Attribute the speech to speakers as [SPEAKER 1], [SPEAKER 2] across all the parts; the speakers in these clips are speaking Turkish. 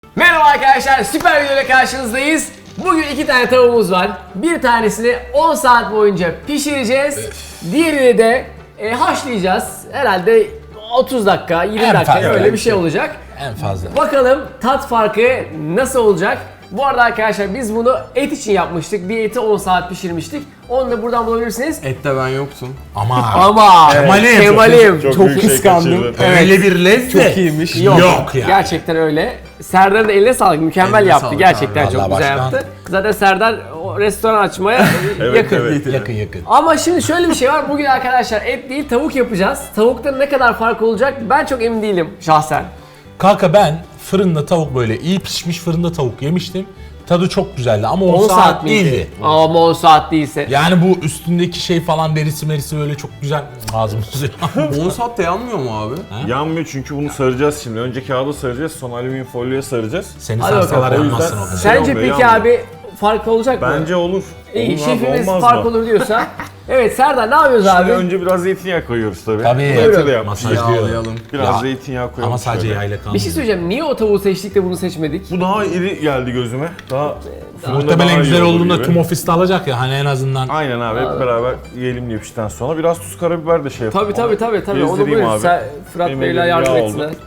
[SPEAKER 1] Merhaba arkadaşlar, süper videoyla karşınızdayız. Bugün 2 tane tavuğumuz var. Bir tanesini 10 saat boyunca pişireceğiz. Diğerini de haşlayacağız. Herhalde 30 dakika, 20
[SPEAKER 2] En
[SPEAKER 1] dakika
[SPEAKER 2] fazla
[SPEAKER 1] öyle bir şey olacak.
[SPEAKER 2] En fazla.
[SPEAKER 1] Bakalım tat farkı nasıl olacak? Bu arada arkadaşlar biz bunu et için yapmıştık. Bir eti 10 saat pişirmiştik. Onu da buradan bulabilirsiniz.
[SPEAKER 3] Ette ben yoktum.
[SPEAKER 1] Ama Kemal'im
[SPEAKER 3] Çok
[SPEAKER 1] çok
[SPEAKER 3] büyük şey
[SPEAKER 1] kıskandım.
[SPEAKER 3] kaçırdı.
[SPEAKER 1] Evet.
[SPEAKER 2] Öyle bir lezzet.
[SPEAKER 3] Çok iyiymiş.
[SPEAKER 2] Yok ya.
[SPEAKER 1] Gerçekten öyle. Serdar'ın da eline sağlık. Mükemmel
[SPEAKER 3] Eline
[SPEAKER 1] yaptı.
[SPEAKER 3] sağlık
[SPEAKER 1] Gerçekten
[SPEAKER 2] abi.
[SPEAKER 1] çok
[SPEAKER 2] Vallahi
[SPEAKER 1] güzel
[SPEAKER 2] başkan.
[SPEAKER 1] yaptı. Zaten Serdar o restoran açmaya yakın.
[SPEAKER 3] evet.
[SPEAKER 2] Yakın.
[SPEAKER 1] Ama şimdi şöyle bir şey var. Bugün arkadaşlar et değil tavuk yapacağız. Tavukta ne kadar fark olacak ben çok emin değilim şahsen.
[SPEAKER 2] Kanka ben fırında tavuk böyle iyi pişmiş fırında tavuk yemiştim. Tadı çok güzeldi ama 10 saat
[SPEAKER 1] miydi?
[SPEAKER 2] değildi.
[SPEAKER 1] Ama 10 saat değilse.
[SPEAKER 2] Yani bu üstündeki şey falan derisi merisi böyle çok güzel ağzımızı
[SPEAKER 3] 10 saatte yanmıyor mu abi?
[SPEAKER 4] Yanmıyor çünkü bunu saracağız şimdi. Önce kağıda saracağız, sonra alüminyum folyoya saracağız.
[SPEAKER 2] Seni
[SPEAKER 1] Hadi
[SPEAKER 2] sarsalar
[SPEAKER 1] bakalım.
[SPEAKER 2] yanmazsın
[SPEAKER 4] O
[SPEAKER 2] o
[SPEAKER 4] yüzden-
[SPEAKER 2] kadar.
[SPEAKER 1] Sence
[SPEAKER 4] yanmıyor,
[SPEAKER 1] peki
[SPEAKER 4] yanmıyor.
[SPEAKER 1] abi fark olacak mı?
[SPEAKER 4] Bence olur.
[SPEAKER 1] İyi,
[SPEAKER 4] Olur abi,
[SPEAKER 1] şefimiz
[SPEAKER 4] olmaz
[SPEAKER 1] fark
[SPEAKER 4] mı?
[SPEAKER 1] olur diyorsa. Evet Serdar ne yapıyoruz
[SPEAKER 4] Şimdi
[SPEAKER 1] abi?
[SPEAKER 4] önce biraz zeytinyağı koyuyoruz tabii.
[SPEAKER 2] Tabii.
[SPEAKER 4] Bu eti de yapacağız.
[SPEAKER 2] Masajlıyor.
[SPEAKER 3] Yağlayalım.
[SPEAKER 4] Biraz
[SPEAKER 2] Ya,
[SPEAKER 4] zeytinyağı koyalım.
[SPEAKER 2] Ama sadece
[SPEAKER 4] şöyle.
[SPEAKER 2] yayla kalmıyor.
[SPEAKER 1] Bir şey söyleyeceğim. Niye o tavuğu seçtik de bunu seçmedik?
[SPEAKER 4] Bu daha iri geldi gözüme. Daha fırında daha
[SPEAKER 2] Muhtemelen
[SPEAKER 4] iyi
[SPEAKER 2] güzel
[SPEAKER 4] olur
[SPEAKER 2] olduğunda
[SPEAKER 4] gibi.
[SPEAKER 2] tüm ofiste alacak ya hani en azından.
[SPEAKER 4] Aynen abi, hep beraber yiyelim diye pişten sonra. Biraz tuz karabiber de şey yapalım.
[SPEAKER 1] Tabii. Onu
[SPEAKER 4] Gezdireyim
[SPEAKER 1] buyur.
[SPEAKER 4] abi.
[SPEAKER 1] Fırat
[SPEAKER 4] Benim
[SPEAKER 1] Bey'le
[SPEAKER 4] elim
[SPEAKER 1] yardım
[SPEAKER 4] yağ
[SPEAKER 1] etsinler.
[SPEAKER 4] oldu.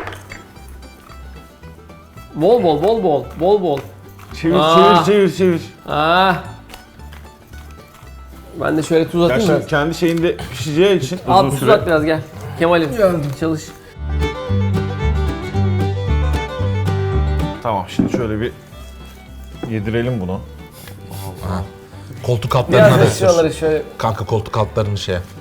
[SPEAKER 1] Bol.
[SPEAKER 4] Çevir,
[SPEAKER 1] Aa.
[SPEAKER 4] çevir.
[SPEAKER 1] Ah. Ben de şöyle tuz
[SPEAKER 4] Ya
[SPEAKER 1] atayım
[SPEAKER 4] şimdi
[SPEAKER 1] biraz.
[SPEAKER 4] kendi şeyinde pişeceği için
[SPEAKER 1] Al
[SPEAKER 4] uzun
[SPEAKER 1] tuz
[SPEAKER 4] süre.
[SPEAKER 1] at biraz gel. Kemal'im çalış.
[SPEAKER 4] Tamam, şimdi şöyle bir yedirelim bunu.
[SPEAKER 2] Koltuk altlarına
[SPEAKER 1] Biraz
[SPEAKER 2] da
[SPEAKER 1] da
[SPEAKER 2] sür.
[SPEAKER 1] şuraları şöyle.
[SPEAKER 2] Kanka koltuk altlarını şey yap.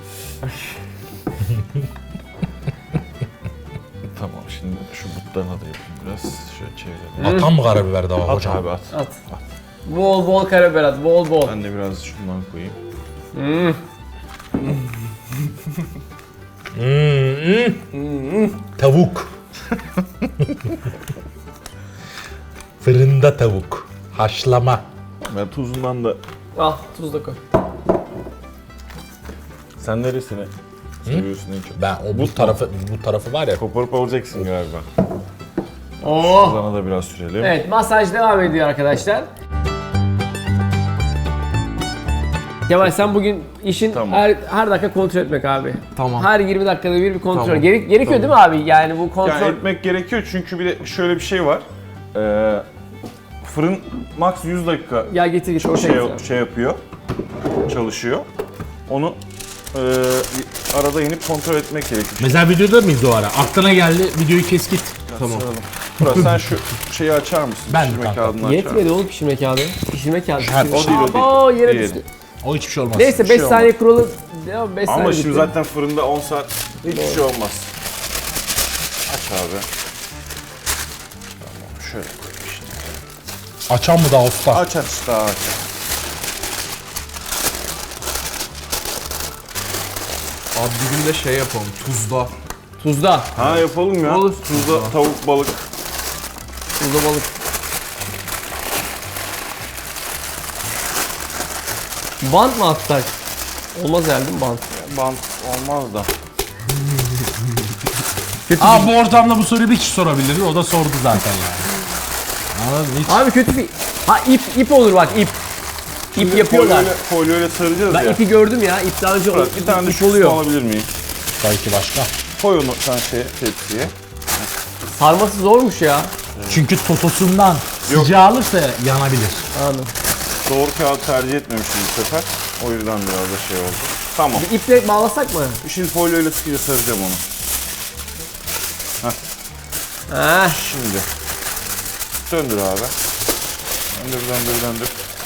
[SPEAKER 4] Tamam, şimdi şu butlarına da yapayım biraz. Şöyle çevirelim.
[SPEAKER 2] Atan mı karabiber daha
[SPEAKER 4] At
[SPEAKER 2] hocam?
[SPEAKER 4] abi at.
[SPEAKER 1] At. Bol karabiber at. Bol.
[SPEAKER 4] Ben de biraz şundan koyayım.
[SPEAKER 2] Tavuk. Fırında tavuk. Haşlama.
[SPEAKER 4] Ben tuzundan da...
[SPEAKER 1] Al tuz da koy.
[SPEAKER 4] Sen neresini seviyorsun en çok?
[SPEAKER 2] Ben o bu tarafı var ya.
[SPEAKER 4] Koparıp alacaksın galiba.
[SPEAKER 1] Oo.
[SPEAKER 4] Tuzuna da biraz sürelim.
[SPEAKER 1] Evet masaj devam ediyor arkadaşlar. Kemal sen bugün işin
[SPEAKER 4] Tamam.
[SPEAKER 1] her dakika kontrol etmek abi.
[SPEAKER 3] Tamam.
[SPEAKER 1] Her 20 dakikada bir kontrol.
[SPEAKER 3] Tamam.
[SPEAKER 1] Gerekiyor değil mi abi? Yani bu kontrol.
[SPEAKER 4] Yani etmek gerekiyor çünkü bir de şöyle bir şey var. Fırın max 100 dakika
[SPEAKER 1] Ya getir ortaya getir.
[SPEAKER 4] şey yapıyor, çalışıyor. Onu arada inip kontrol etmek gerekiyor.
[SPEAKER 2] Mesela videoda mıyız o ara? Aklına geldi videoyu kes git.
[SPEAKER 3] Tamam.
[SPEAKER 4] Murat sen şu şeyi açar mısın?
[SPEAKER 2] Ben
[SPEAKER 4] Pişirme
[SPEAKER 2] kanka.
[SPEAKER 4] kağıdını açar mısın?
[SPEAKER 1] Yetmedi oğlum pişirme kağıdı. Pişirme kağıdı.
[SPEAKER 4] O değil, o değil.
[SPEAKER 1] Oo yere
[SPEAKER 4] Diğeri.
[SPEAKER 1] düştü.
[SPEAKER 2] O hiçbir şey olmaz.
[SPEAKER 1] Neyse 5
[SPEAKER 4] şey olmaz.
[SPEAKER 1] saniye kuralı. Devam 5 saniye.
[SPEAKER 4] Ama şimdi
[SPEAKER 1] bitti.
[SPEAKER 4] zaten fırında 10 saat hiçbir şey olmaz. Aç abi. Tamam, şöyle koyayım işte.
[SPEAKER 2] Açan mı daha usta?
[SPEAKER 4] Aç daha aç.
[SPEAKER 3] Abi bir gün de şey yapalım. Tuzda.
[SPEAKER 1] Tuzda.
[SPEAKER 4] Ha yapalım ya.
[SPEAKER 1] Olur.
[SPEAKER 4] Tuzla tavuk balık.
[SPEAKER 1] Tuzda balık. Bant mı atsak? Olmaz herhalde değil mi bant?
[SPEAKER 4] Bant olmaz da.
[SPEAKER 2] Aa bu ortamda bu soruyu bir kişi sorabilir. O da sordu zaten yani. Anladın mı? Hiç...
[SPEAKER 1] Abi kötü bir... Ha ip olur bak ip. İp yapıyorlar.
[SPEAKER 4] Folyoyla saracağız
[SPEAKER 1] Ben
[SPEAKER 4] ya.
[SPEAKER 1] ipi gördüm ya. İp daha önce
[SPEAKER 4] Murat, bir tane de
[SPEAKER 1] ip
[SPEAKER 4] şu
[SPEAKER 1] oluyor.
[SPEAKER 4] alabilir miyim?
[SPEAKER 2] Belki başka.
[SPEAKER 4] Koy onu sen tepsiye.
[SPEAKER 1] Sarması zormuş ya.
[SPEAKER 2] Çünkü totosundan sıcağı alırsa yanabilir.
[SPEAKER 1] Anladım.
[SPEAKER 4] Doğru kağıt tercih etmemişim bu sefer. O yüzden biraz da şey oldu. Tamam.
[SPEAKER 1] Bir iple bağlasak mı?
[SPEAKER 4] Şimdi folyoyla sıkıca saracağım onu.
[SPEAKER 1] Ha.
[SPEAKER 4] Şimdi. Döndür abi. Döndür.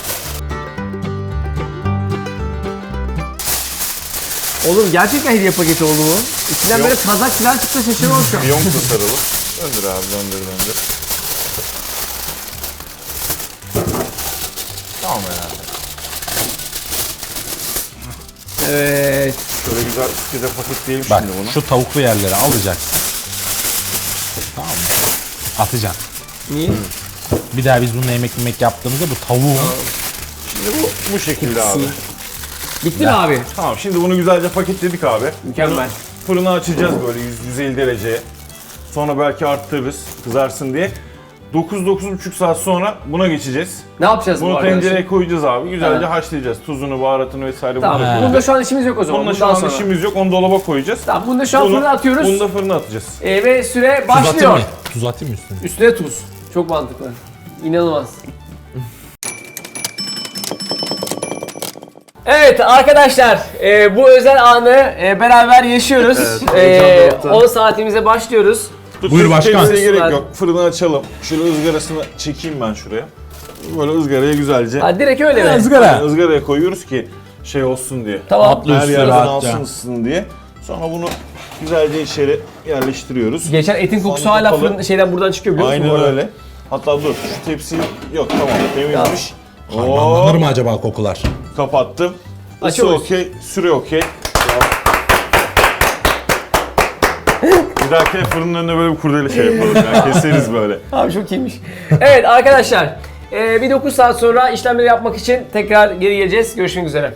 [SPEAKER 1] Oğlum gerçekten hediye paketi oldu bu. İçinden böyle kazak falan çıktı şaşırmam şu an.
[SPEAKER 4] Yonk da sarılı. Döndür abi, döndür. Tamam herhalde.
[SPEAKER 1] Evet.
[SPEAKER 4] Şöyle güzel sıkıca paketleyelim
[SPEAKER 2] Bak
[SPEAKER 4] şimdi bunu.
[SPEAKER 2] şu tavuklu yerleri alacaksın. Tamam mı? Atacaksın.
[SPEAKER 1] Niye?
[SPEAKER 2] Bir daha biz bununla yemek yaptığımızda bu tavuğun
[SPEAKER 4] Şimdi bu şekilde abi.
[SPEAKER 1] Bitti mi abi?
[SPEAKER 4] Tamam, şimdi bunu güzelce paketledik abi.
[SPEAKER 1] Mükemmel.
[SPEAKER 4] Fırını açacağız böyle 150 dereceye. Sonra belki arttırırız kızarsın diye. 9-9,5 saat sonra buna geçeceğiz.
[SPEAKER 1] Ne yapacağız bu
[SPEAKER 4] Bunu
[SPEAKER 1] arkadaşlar?
[SPEAKER 4] tencereye koyacağız abi. Güzelce
[SPEAKER 1] Evet.
[SPEAKER 4] haşlayacağız. Tuzunu, baharatını vesaire
[SPEAKER 1] Tamam.
[SPEAKER 4] bunu da
[SPEAKER 1] Bunda
[SPEAKER 4] koyacağız.
[SPEAKER 1] şu an işimiz yok o zaman.
[SPEAKER 4] Bununla şu
[SPEAKER 1] Bundan
[SPEAKER 4] an
[SPEAKER 1] sonra.
[SPEAKER 4] işimiz yok. Onu dolaba koyacağız.
[SPEAKER 1] Tamam, bunu da şu an fırına atıyoruz.
[SPEAKER 4] Bunu da fırına atacağız.
[SPEAKER 1] Ve süre
[SPEAKER 2] Tuz atayım
[SPEAKER 1] başlıyor.
[SPEAKER 2] mı? Tuz atayım mı üstüne?
[SPEAKER 1] Üstüne tuz. Çok mantıklı. İnanılmaz. Evet arkadaşlar, bu özel anı beraber yaşıyoruz.
[SPEAKER 3] heyecan dorukta.
[SPEAKER 1] 10 saatimize başlıyoruz.
[SPEAKER 2] Buyur başkan.
[SPEAKER 4] Tepsiye gerek
[SPEAKER 1] Ben-
[SPEAKER 4] yok. Fırını açalım. Şöyle ızgarasını çekeyim ben şuraya. Böyle ızgaraya güzelce.
[SPEAKER 1] Ha, direkt öyle mi?
[SPEAKER 2] Izgara.
[SPEAKER 4] Izgaraya koyuyoruz ki şey olsun diye.
[SPEAKER 1] Tamam.
[SPEAKER 2] Atlı
[SPEAKER 4] Her
[SPEAKER 2] üstüne
[SPEAKER 4] yerden
[SPEAKER 2] rahatça.
[SPEAKER 4] alsın ısısın diye. Sonra bunu güzelce içeri yerleştiriyoruz.
[SPEAKER 1] Geçen etin kokusu
[SPEAKER 4] Sonra
[SPEAKER 1] hala
[SPEAKER 4] kapalı.
[SPEAKER 1] fırın şeyden buradan çıkıyor biliyor musun? bu
[SPEAKER 4] Aynen
[SPEAKER 1] arada?
[SPEAKER 4] öyle. Hatta dur şu tepsiyi yok tamam temizmiş.
[SPEAKER 2] Harmanlanır mı acaba kokular?
[SPEAKER 4] Kapattım. Isı
[SPEAKER 1] Açıyoruz.
[SPEAKER 4] okey, süre okey. Bir dahaki fırının önüne böyle bir kurdele şey yapalım yani keseriz böyle.
[SPEAKER 1] Abi çok iyiymiş. Evet arkadaşlar, bir 9 saat sonra işlemleri yapmak için tekrar geri geleceğiz. Görüşmek üzere.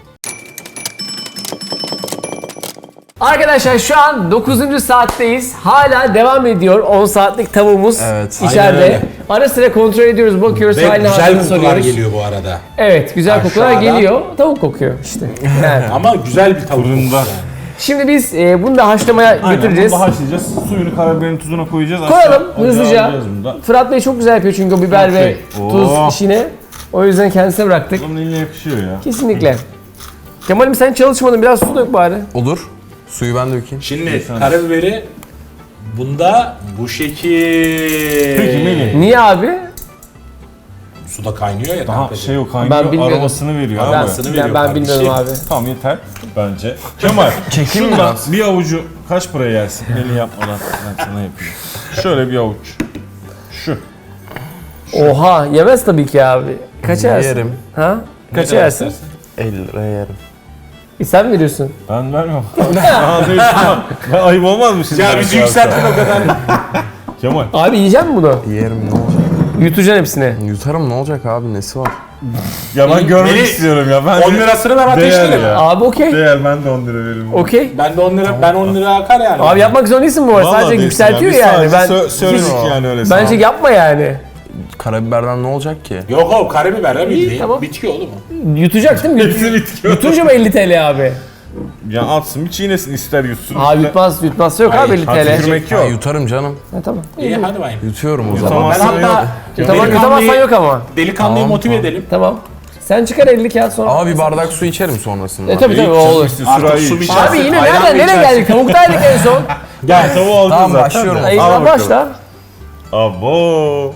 [SPEAKER 1] Arkadaşlar şu an 9. saatteyiz. Hala devam ediyor 10 saatlik tavuğumuz
[SPEAKER 3] Evet,
[SPEAKER 1] içeride.
[SPEAKER 2] aynen öyle.
[SPEAKER 1] Ara sıra kontrol ediyoruz, bakıyoruz,
[SPEAKER 2] Ve
[SPEAKER 1] haline
[SPEAKER 2] güzel
[SPEAKER 1] hatırını
[SPEAKER 2] kokular
[SPEAKER 1] soruyoruz.
[SPEAKER 2] geliyor bu arada.
[SPEAKER 1] Evet, güzel kokular
[SPEAKER 2] Aşağıda.
[SPEAKER 1] geliyor. Tavuk kokuyor işte. Yani.
[SPEAKER 2] Ama güzel bir tavuk
[SPEAKER 4] Fırında.
[SPEAKER 2] kokusu yani.
[SPEAKER 1] Şimdi biz bunu da haşlamaya götüreceğiz.
[SPEAKER 4] Bunu da haşlayacağız. Suyunu, karabiberini, tuzuna koyacağız.
[SPEAKER 1] Koyalım
[SPEAKER 4] Aşağı-
[SPEAKER 1] hızlıca.
[SPEAKER 4] alacağız bunu da.
[SPEAKER 1] Fırat Bey çok güzel yapıyor çünkü o biber ve tuz
[SPEAKER 4] Oh.
[SPEAKER 1] işini. O yüzden kendisine bıraktık.
[SPEAKER 4] Bunun eline yakışıyor ya.
[SPEAKER 1] Kesinlikle. Kemal'im sen çalışmadın, biraz su dök bari.
[SPEAKER 3] Olur. Suyu ben dökeyim.
[SPEAKER 2] Şimdi karabiberi bunda bu şekil.
[SPEAKER 4] Peki Melih.
[SPEAKER 1] Niye abi?
[SPEAKER 2] Suda kaynıyor ya.
[SPEAKER 4] Daha
[SPEAKER 2] kankacığım.
[SPEAKER 4] şey o
[SPEAKER 1] Ben
[SPEAKER 4] kaynıyor,
[SPEAKER 1] bilmiyordum.
[SPEAKER 4] aromasını veriyor.
[SPEAKER 1] Ben,
[SPEAKER 4] abi.
[SPEAKER 1] ben
[SPEAKER 2] kardeşim.
[SPEAKER 1] bilmiyorum abi.
[SPEAKER 4] Tamam yeter bence. Kemal,
[SPEAKER 3] Çekeyim mi
[SPEAKER 4] şundan
[SPEAKER 3] biraz?
[SPEAKER 4] bir avucu kaç paraya yersin? Melih yapmadan ben sana yapayım. Şöyle bir avuç. Şu.
[SPEAKER 1] Oha, yemez tabii ki abi. Kaça yersin?
[SPEAKER 3] Yerim.
[SPEAKER 1] Ha? Kaça
[SPEAKER 2] kadar
[SPEAKER 1] yersin?
[SPEAKER 2] istersin?
[SPEAKER 3] 50 liraya yerim.
[SPEAKER 1] Sen mi veriyorsun?
[SPEAKER 4] Ben vermem. Aa, değil, tamam. Ben ayıp olmaz mı şimdi?
[SPEAKER 2] Ya bizi yükselttin o kadar.
[SPEAKER 4] Kemal.
[SPEAKER 1] Abi yiyecek misin bunu?
[SPEAKER 3] Yerim ne olacak?
[SPEAKER 1] Yutacaksın hepsini.
[SPEAKER 3] Yutarım ne olacak abi nesi var?
[SPEAKER 4] Ya ben görmek
[SPEAKER 2] Melih,
[SPEAKER 4] istiyorum ya. Ben
[SPEAKER 2] 10 lirasını ben ateşlerim.
[SPEAKER 4] ya.
[SPEAKER 1] Abi okey.
[SPEAKER 4] Değer ben de 10 lira veririm.
[SPEAKER 1] Okey.
[SPEAKER 2] Ben de 10 lira, ben 10 lira akar yani.
[SPEAKER 1] Abi yapmak zorunda değilsin bu arada.
[SPEAKER 4] Vallahi
[SPEAKER 1] Sadece
[SPEAKER 4] değilsin
[SPEAKER 1] yükseltiyor
[SPEAKER 4] Biz
[SPEAKER 1] yani.
[SPEAKER 4] sadece
[SPEAKER 1] Ben
[SPEAKER 4] söyledik yani öyle.
[SPEAKER 1] bence
[SPEAKER 4] sana.
[SPEAKER 1] yapma yani.
[SPEAKER 3] Karabiberden ne olacak ki?
[SPEAKER 2] Yok o karabiber ha bildiğin.
[SPEAKER 1] tamam.
[SPEAKER 2] Bitki oğlum o.
[SPEAKER 1] Yutacak değil mi?
[SPEAKER 4] Hepsini bitiyor.
[SPEAKER 1] Yutunca mı 50 TL abi?
[SPEAKER 4] Ya atsın bir çiğnesin ister yutsun.
[SPEAKER 1] Abi yutmazsa yok abi 50
[SPEAKER 4] Hadi
[SPEAKER 1] TL.
[SPEAKER 4] yürümek
[SPEAKER 3] Ha,
[SPEAKER 4] yok.
[SPEAKER 3] yutarım canım.
[SPEAKER 1] Ha, tamam.
[SPEAKER 2] İyi hadi bakayım.
[SPEAKER 3] Yutuyorum o zaman.
[SPEAKER 4] Yutamazsan
[SPEAKER 2] Ben hatta
[SPEAKER 4] yok.
[SPEAKER 1] Yutamazsan yok ama.
[SPEAKER 2] Delikanlıyı
[SPEAKER 3] Tamam,
[SPEAKER 2] motive
[SPEAKER 3] tamam.
[SPEAKER 2] edelim.
[SPEAKER 1] Tamam. Sen çıkar 50 kağıt sonra.
[SPEAKER 3] Ama bir bardak su içerim sonrasında.
[SPEAKER 1] Tabii o olur.
[SPEAKER 2] Artık su mu içersin?
[SPEAKER 1] Abi yine
[SPEAKER 2] ayran
[SPEAKER 1] nereden
[SPEAKER 2] mı
[SPEAKER 1] nereye
[SPEAKER 2] içersin?
[SPEAKER 1] geldik? Tavuktaydık en son.
[SPEAKER 4] Gel tavuğu aldın
[SPEAKER 3] Tamam,
[SPEAKER 4] zaten.
[SPEAKER 3] başlıyorum.
[SPEAKER 4] Al
[SPEAKER 1] Ayıkla
[SPEAKER 4] bakalım.
[SPEAKER 1] başla.
[SPEAKER 4] Abo.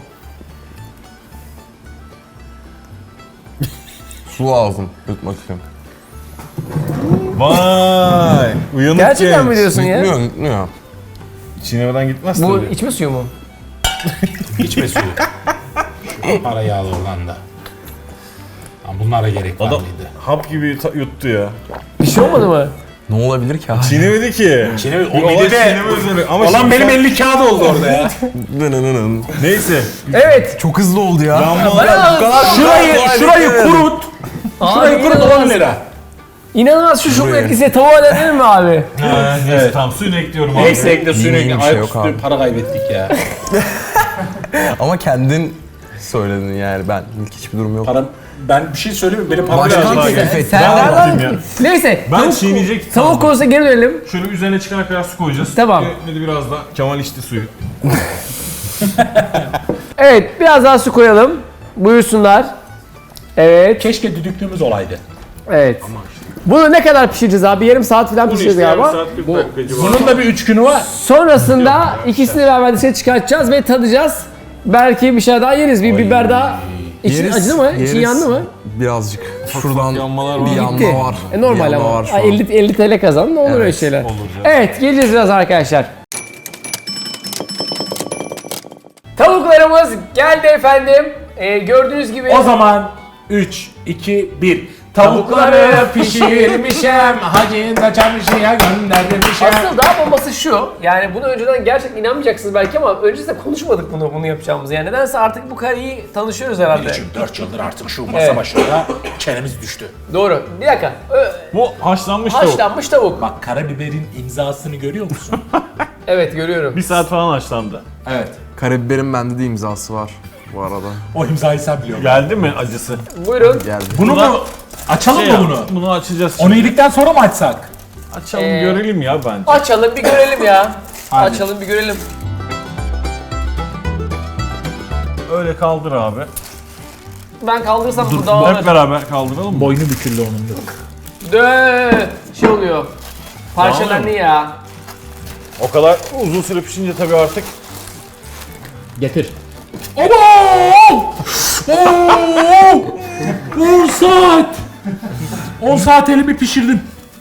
[SPEAKER 3] Su lazım. Yutmak için.
[SPEAKER 4] Vay. Uyanık
[SPEAKER 1] Gerçekten
[SPEAKER 4] genç.
[SPEAKER 1] mi diyorsun ya?
[SPEAKER 3] Yutmuyor, yutmuyor.
[SPEAKER 4] Çiğnemeden gitmez
[SPEAKER 1] Bu
[SPEAKER 4] tabii.
[SPEAKER 1] içme suyu mu?
[SPEAKER 2] İçme suyu. Para yağlı olan da. Ama bunlara gerek var
[SPEAKER 4] Adam
[SPEAKER 2] mıydı?
[SPEAKER 4] hap gibi yuttu ya.
[SPEAKER 1] Bir şey olmadı mı?
[SPEAKER 3] Ne olabilir ki abi?
[SPEAKER 4] Çiğnemedi ki.
[SPEAKER 2] Çiğneme,
[SPEAKER 4] Bir
[SPEAKER 2] o
[SPEAKER 4] olay
[SPEAKER 2] bir de
[SPEAKER 4] çiğneme üzerine. Ama
[SPEAKER 2] olan
[SPEAKER 4] şimdi
[SPEAKER 2] benim
[SPEAKER 4] sen-
[SPEAKER 2] 50 kağıt oldu orada ya.
[SPEAKER 4] Neyse.
[SPEAKER 1] Evet.
[SPEAKER 3] Çok hızlı oldu ya.
[SPEAKER 2] Şurayı kurut. Şurayı kurut 10 lira.
[SPEAKER 1] İnanılmaz şu şok etkisiyle tavuğa denir mi abi?
[SPEAKER 4] Neyse tamam suyunu ekliyorum abi.
[SPEAKER 2] Neyse ekle suyunu
[SPEAKER 3] İyi,
[SPEAKER 2] ekle.
[SPEAKER 3] bir şey yok
[SPEAKER 2] Ayaküstü
[SPEAKER 3] abi.
[SPEAKER 2] para kaybettik ya.
[SPEAKER 3] Ama kendin söyledin yani ben ilk hiçbir durum yok.
[SPEAKER 2] Param, ben bir şey söyleyeyim mi? Benim param
[SPEAKER 3] Başkan
[SPEAKER 2] biraz daha
[SPEAKER 3] teklif
[SPEAKER 2] geldi.
[SPEAKER 3] etti.
[SPEAKER 1] Sen
[SPEAKER 4] Ben
[SPEAKER 1] nereden?
[SPEAKER 4] bakayım ya.
[SPEAKER 1] Neyse.
[SPEAKER 4] Ben çiğneyecek.
[SPEAKER 1] Tavuk konusuna geri dönelim.
[SPEAKER 4] Şöyle üzerine çıkana kadar su koyacağız.
[SPEAKER 1] Tamam.
[SPEAKER 4] Ne de biraz da Kemal içti suyu.
[SPEAKER 1] Evet biraz daha su koyalım. Buyursunlar. Evet.
[SPEAKER 2] Keşke düdüklüğümüz olaydı.
[SPEAKER 1] Evet. Bunu ne kadar pişireceğiz abi? Yarım saat falan pişireceğiz galiba.
[SPEAKER 2] Bunun da bir 3 günü var.
[SPEAKER 1] Sonrasında ikisini beraber dışarı çıkartacağız ve tadacağız. Belki bir şey daha yeriz. Bir biber daha. İçin
[SPEAKER 3] Yeriz,
[SPEAKER 1] acıdı mı? İçin
[SPEAKER 3] yeriz.
[SPEAKER 1] yandı mı?
[SPEAKER 3] Birazcık. Şuradan
[SPEAKER 4] yanmalar var.
[SPEAKER 3] bir
[SPEAKER 1] Gitti.
[SPEAKER 3] yanma var.
[SPEAKER 1] Normal
[SPEAKER 3] Bir yanma
[SPEAKER 1] ama.
[SPEAKER 3] var şu an.
[SPEAKER 1] 50 TL kazandın, olur öyle şeyler.
[SPEAKER 4] olur canım.
[SPEAKER 1] Evet, geleceğiz biraz arkadaşlar. Tavuklarımız geldi efendim. Gördüğünüz gibi
[SPEAKER 2] O zaman 3, 2, 1. Tavukları pişirmişem, hacı da çarşıya göndermişem.
[SPEAKER 1] asıl daha bombası şu. Yani bunu önceden gerçekten inanmayacaksınız belki ama öncesinde konuşmadık bunu yapacağımızı. Yani nedense artık bu kadar iyi tanışıyoruz herhalde.
[SPEAKER 2] Için 4 yıldır artık şu masa
[SPEAKER 1] Evet.
[SPEAKER 2] başında çenemiz düştü.
[SPEAKER 1] Doğru. Bir dakika.
[SPEAKER 4] Bu haşlanmış tavuk.
[SPEAKER 1] Haşlanmış tavuk.
[SPEAKER 2] Bak karabiberin imzasını görüyor musun?
[SPEAKER 1] Evet görüyorum.
[SPEAKER 4] Bir saat falan haşlandı.
[SPEAKER 2] Evet.
[SPEAKER 3] Karabiberin bende de imzası var bu arada.
[SPEAKER 2] O imzayı sen biliyorsun.
[SPEAKER 4] Geldi mi acısı?
[SPEAKER 1] Buyurun.
[SPEAKER 3] Geldi.
[SPEAKER 2] Bunu mu? Açalım mı bunu?
[SPEAKER 4] Bunu açacağız.
[SPEAKER 2] Onu yedikten sonra mı açsak?
[SPEAKER 4] Açalım görelim ya bence.
[SPEAKER 1] Açalım bir görelim ya.
[SPEAKER 2] Hadi.
[SPEAKER 1] Açalım bir görelim.
[SPEAKER 4] Öyle kaldır abi.
[SPEAKER 1] Ben kaldırsam bu
[SPEAKER 4] Hep
[SPEAKER 1] dağılır.
[SPEAKER 4] beraber kaldıralım mı?
[SPEAKER 2] Boynu büküldü onun da.
[SPEAKER 1] Dö şey oluyor. Parçalandı
[SPEAKER 4] Dağılıyor
[SPEAKER 1] ya.
[SPEAKER 4] O kadar uzun süre pişince tabii artık
[SPEAKER 2] Getir. Abo! 10 saat! 10 saat elimi pişirdim.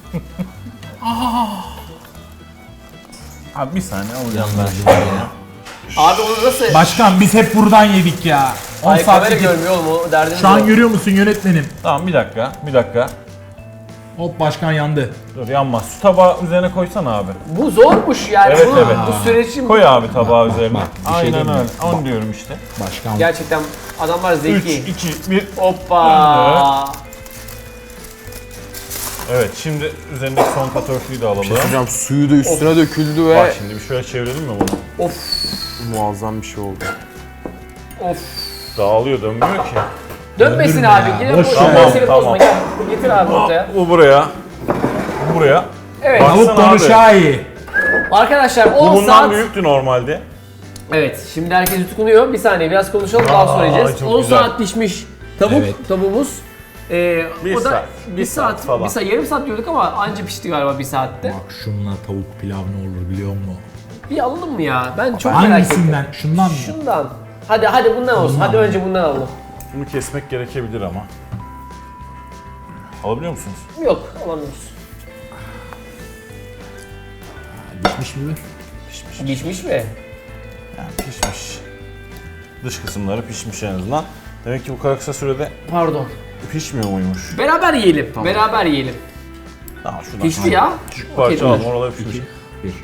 [SPEAKER 4] Abi bir saniye alacağım ben.
[SPEAKER 1] Abi onu nasıl?
[SPEAKER 2] Başkan biz hep buradan yedik ya. 10
[SPEAKER 1] Ay
[SPEAKER 2] saat
[SPEAKER 1] kamera
[SPEAKER 2] yedik.
[SPEAKER 1] görmüyor oğlum o derdimiz
[SPEAKER 2] Şu an
[SPEAKER 1] yok.
[SPEAKER 2] görüyor musun yönetmenim?
[SPEAKER 4] Tamam bir dakika.
[SPEAKER 2] Hop başkan yandı.
[SPEAKER 4] Dur yanmaz. Şu tabağı üzerine koysana abi.
[SPEAKER 1] Bu zormuş yani.
[SPEAKER 4] Evet,
[SPEAKER 1] bu,
[SPEAKER 4] evet.
[SPEAKER 1] Bu süreç için
[SPEAKER 4] Koy abi tabağı üzerine.
[SPEAKER 2] Bak, bir şey
[SPEAKER 4] Aynen
[SPEAKER 2] diyeyim mi?
[SPEAKER 4] öyle. Onu diyorum işte.
[SPEAKER 2] Başkan.
[SPEAKER 1] gerçekten adamlar
[SPEAKER 4] 3,
[SPEAKER 1] zeki.
[SPEAKER 4] 2, 1.
[SPEAKER 1] Hoppa.
[SPEAKER 4] Evet şimdi üzerindeki son kat örtüyü de alalım.
[SPEAKER 3] Hocam suyu da üstüne döküldü ve
[SPEAKER 4] Bak şimdi bir şöyle çevirelim mi bunu?
[SPEAKER 1] Of.
[SPEAKER 3] muazzam bir şey oldu.
[SPEAKER 1] Of.
[SPEAKER 4] Dağılıyor dönmüyor ki.
[SPEAKER 1] Dönmesin
[SPEAKER 2] Döndürme
[SPEAKER 1] abi.
[SPEAKER 2] ya,
[SPEAKER 1] Yine
[SPEAKER 2] boş
[SPEAKER 1] bu
[SPEAKER 2] ver.
[SPEAKER 1] mesele
[SPEAKER 4] Tamam,
[SPEAKER 1] bozma. Gel. Getir abi ortaya.
[SPEAKER 4] Bu buraya. Bu buraya.
[SPEAKER 1] Evet.
[SPEAKER 4] Bak.
[SPEAKER 2] Tavuk
[SPEAKER 4] Baksana abi.
[SPEAKER 2] konuşağı iyi.
[SPEAKER 1] Arkadaşlar
[SPEAKER 4] Bu
[SPEAKER 1] 10
[SPEAKER 4] bundan
[SPEAKER 1] saat.
[SPEAKER 4] büyüktü normalde.
[SPEAKER 1] Evet. Şimdi herkes yutkunuyor. Bir saniye biraz konuşalım daha sonra yiyeceğiz.
[SPEAKER 4] çok
[SPEAKER 1] 10
[SPEAKER 4] güzel.
[SPEAKER 1] saat pişmiş tavuk.
[SPEAKER 2] Evet.
[SPEAKER 1] Tavuğumuz.
[SPEAKER 4] Bir
[SPEAKER 1] o da
[SPEAKER 4] saat,
[SPEAKER 1] bir saat
[SPEAKER 4] falan.
[SPEAKER 1] Bir saat, yarım saat diyorduk ama anca pişti galiba bir saatte.
[SPEAKER 2] Bak şununla tavuk pilav ne olur biliyor musun?
[SPEAKER 1] Bir alalım mı ya? Ben çok merak ettim.
[SPEAKER 2] Hangisinden? Şundan mı?
[SPEAKER 1] Şundan. Hadi bundan olsun. Hadi önce bundan alalım.
[SPEAKER 4] Bunu kesmek gerekebilir ama. Alabiliyor musunuz?
[SPEAKER 1] Yok alamıyoruz.
[SPEAKER 2] Bitmiş mi?
[SPEAKER 1] Pişmiş mi?
[SPEAKER 4] Yani pişmiş. Dış kısımları pişmiş en azından. Demek ki bu kadar kısa sürede
[SPEAKER 1] Pardon.
[SPEAKER 4] pişmiyor muymuş?
[SPEAKER 1] Beraber yiyelim. Beraber yiyelim.
[SPEAKER 4] Tamam şuradan.
[SPEAKER 1] Pişti ya.
[SPEAKER 4] Küçük parça
[SPEAKER 1] Okey,
[SPEAKER 4] aldım oralar pişmiş.
[SPEAKER 2] 1.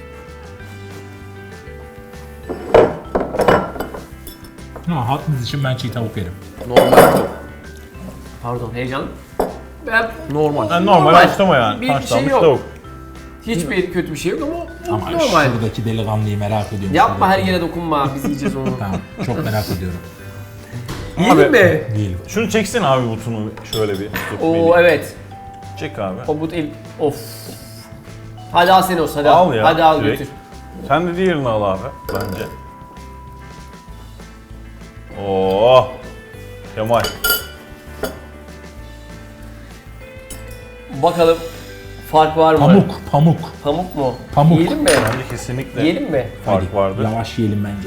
[SPEAKER 2] Ha, hatınız için ben çiğ tavuk yerim.
[SPEAKER 3] Normal.
[SPEAKER 1] Pardon heyecan. Ben
[SPEAKER 3] Normal.
[SPEAKER 4] Yani normal haşlama yani.
[SPEAKER 1] Bir şey
[SPEAKER 4] Haşlanmış
[SPEAKER 1] yok.
[SPEAKER 4] tavuk.
[SPEAKER 1] hiçbir kötü bir şey yok ama
[SPEAKER 2] Ama
[SPEAKER 1] normal.
[SPEAKER 2] şuradaki delikanlıyı merak ediyorum.
[SPEAKER 1] Yapma her
[SPEAKER 2] Şuradaki.
[SPEAKER 1] yere dokunma. Biz yiyeceğiz onu.
[SPEAKER 2] Tamam, çok merak ediyorum.
[SPEAKER 1] Yiyelim mi?
[SPEAKER 2] Değil.
[SPEAKER 4] Şunu çeksin abi butunu şöyle bir. Tut
[SPEAKER 1] Oo
[SPEAKER 4] beni.
[SPEAKER 1] evet.
[SPEAKER 4] Çek abi.
[SPEAKER 1] O but el. Of. Hadi al seni olsun hadi
[SPEAKER 4] Al
[SPEAKER 1] al.
[SPEAKER 4] ya,
[SPEAKER 1] Hadi al
[SPEAKER 4] direkt.
[SPEAKER 1] götür.
[SPEAKER 4] Sen de diğerini al abi bence. Oo. Kemal.
[SPEAKER 1] Bakalım fark var mı?
[SPEAKER 2] Pamuk.
[SPEAKER 1] Pamuk mu?
[SPEAKER 2] Pamuk.
[SPEAKER 1] Yiyelim mi?
[SPEAKER 4] Bence kesinlikle
[SPEAKER 1] Yiyelim mi?
[SPEAKER 4] fark
[SPEAKER 2] Hadi,
[SPEAKER 4] vardı.
[SPEAKER 2] Lavaş yiyelim bence.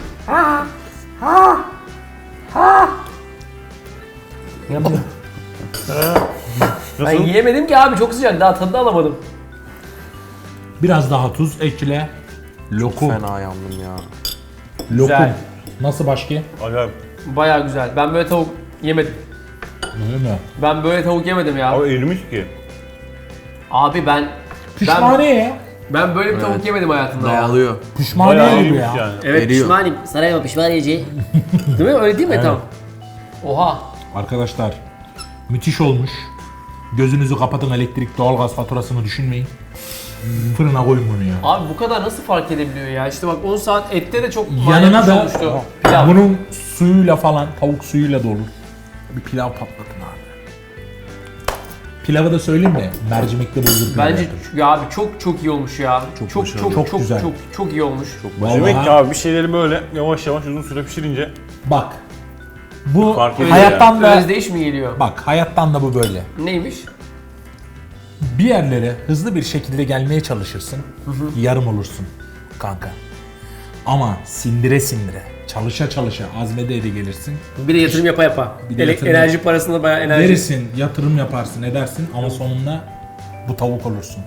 [SPEAKER 1] Ben
[SPEAKER 4] Nasıl?
[SPEAKER 1] yiyemedim ki abi çok sıcak daha tadını alamadım.
[SPEAKER 2] Biraz daha tuz ekle. Lokum.
[SPEAKER 3] Fena yandım ya.
[SPEAKER 2] Lokum.
[SPEAKER 1] Güzel.
[SPEAKER 2] Nasıl başka?
[SPEAKER 4] Acayip.
[SPEAKER 1] Baya güzel. Ben böyle tavuk yemedim.
[SPEAKER 2] Öyle mi?
[SPEAKER 1] Ben böyle tavuk yemedim ya.
[SPEAKER 4] Abi erimiş ki.
[SPEAKER 1] Abi ben
[SPEAKER 2] Pişmaniye ya.
[SPEAKER 1] ben böyle bir tavuk yemedim hayatımda ya.
[SPEAKER 3] Dağılıyor.
[SPEAKER 2] Pişmaniye
[SPEAKER 4] Bayağı
[SPEAKER 2] gibi
[SPEAKER 4] erimiş
[SPEAKER 2] ya.
[SPEAKER 4] yani.
[SPEAKER 1] Evet
[SPEAKER 3] Eriyor.
[SPEAKER 1] pişmanim. Sarayma pişmaniyeci. Değil mi? Öyle değil mi? Tamam. Oha.
[SPEAKER 2] Arkadaşlar müthiş olmuş. Gözünüzü kapatın, elektrik, doğalgaz faturasını düşünmeyin. Fırına koyun bunu ya.
[SPEAKER 1] Abi bu kadar nasıl fark edebiliyor ya? İşte bak 10 saat ette de çok
[SPEAKER 2] Yanına
[SPEAKER 1] manyak
[SPEAKER 2] da
[SPEAKER 1] olmuştu. Pilav.
[SPEAKER 2] bunun suyuyla falan, tavuk suyuyla da olur. Bir pilav patlatın abi. Pilavı da söyleyeyim mi? Mercimekli bulgur pilavı.
[SPEAKER 1] Bence
[SPEAKER 2] yapın.
[SPEAKER 1] ya abi çok iyi olmuş ya. Çok
[SPEAKER 3] başarılı.
[SPEAKER 2] Çok güzel.
[SPEAKER 1] Çok iyi olmuş.
[SPEAKER 4] Demek
[SPEAKER 2] Vallahi-
[SPEAKER 4] ki abi bir şeyleri böyle yavaş yavaş uzun süre pişirince
[SPEAKER 2] Bak. Bu
[SPEAKER 4] Fark ediyor
[SPEAKER 2] hayattan da
[SPEAKER 1] Özdeyiş mi geliyor?
[SPEAKER 2] bak hayattan da bu böyle.
[SPEAKER 1] Neymiş?
[SPEAKER 2] Bir yerlere hızlı bir şekilde gelmeye çalışırsın. Yarım olursun kanka. Ama sindire sindire, çalışa çalışa, azmede de gelirsin.
[SPEAKER 1] Bir de yatırım yapa yapa.
[SPEAKER 2] Bir de yatırım
[SPEAKER 1] Enerji parasında bayağı enerji.
[SPEAKER 2] Verirsin, yatırım yaparsın, edersin ama sonunda bu tavuk olursun.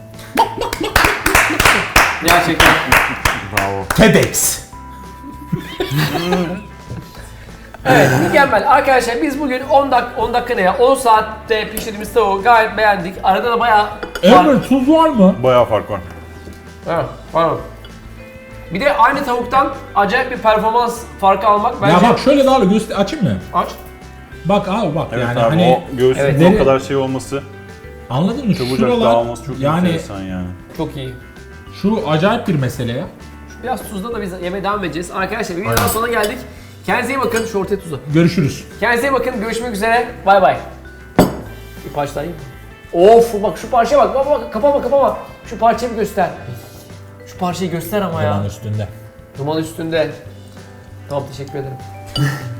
[SPEAKER 1] Gerçekten.
[SPEAKER 3] Bravo.
[SPEAKER 2] TEDx.
[SPEAKER 1] Evet mükemmel. Arkadaşlar biz bugün 10 dakika ne ya? 10 saatte pişirdiğimiz tavuğu gayet beğendik. Arada da bayağı
[SPEAKER 2] Emre tuz var mı?
[SPEAKER 4] bayağı fark var.
[SPEAKER 1] Evet, pardon. Bir de aynı tavuktan acayip bir performans farkı almak bence...
[SPEAKER 2] Ya bak şöyle daha göster, açayım mı?
[SPEAKER 1] Aç.
[SPEAKER 2] Bak abi bak
[SPEAKER 4] Evet
[SPEAKER 2] yani
[SPEAKER 4] abi
[SPEAKER 2] hani
[SPEAKER 4] o göğsün
[SPEAKER 1] Evet.
[SPEAKER 4] o kadar şey olması,
[SPEAKER 2] anladın mı?
[SPEAKER 4] çabucak
[SPEAKER 2] Şuralar
[SPEAKER 4] dağılması çok
[SPEAKER 2] yani
[SPEAKER 4] enteresan yani.
[SPEAKER 1] Çok iyi.
[SPEAKER 2] şu acayip bir mesele ya.
[SPEAKER 1] Biraz tuzla da biz yemeğe devam edeceğiz. Arkadaşlar bir videodan sonra geldik. Kendinize iyi bakın. Şu ortaya tuzu.
[SPEAKER 2] Görüşürüz.
[SPEAKER 1] Kendinize iyi bakın. Görüşmek üzere. Bay bay. Bir parça daha yiyeyim. Of bak şu parçaya bak. Bak kapama. Şu parçayı bir göster. Şu parçayı göster ama ya.
[SPEAKER 2] Yalan üstünde.
[SPEAKER 1] Duman üstünde. Tamam teşekkür ederim.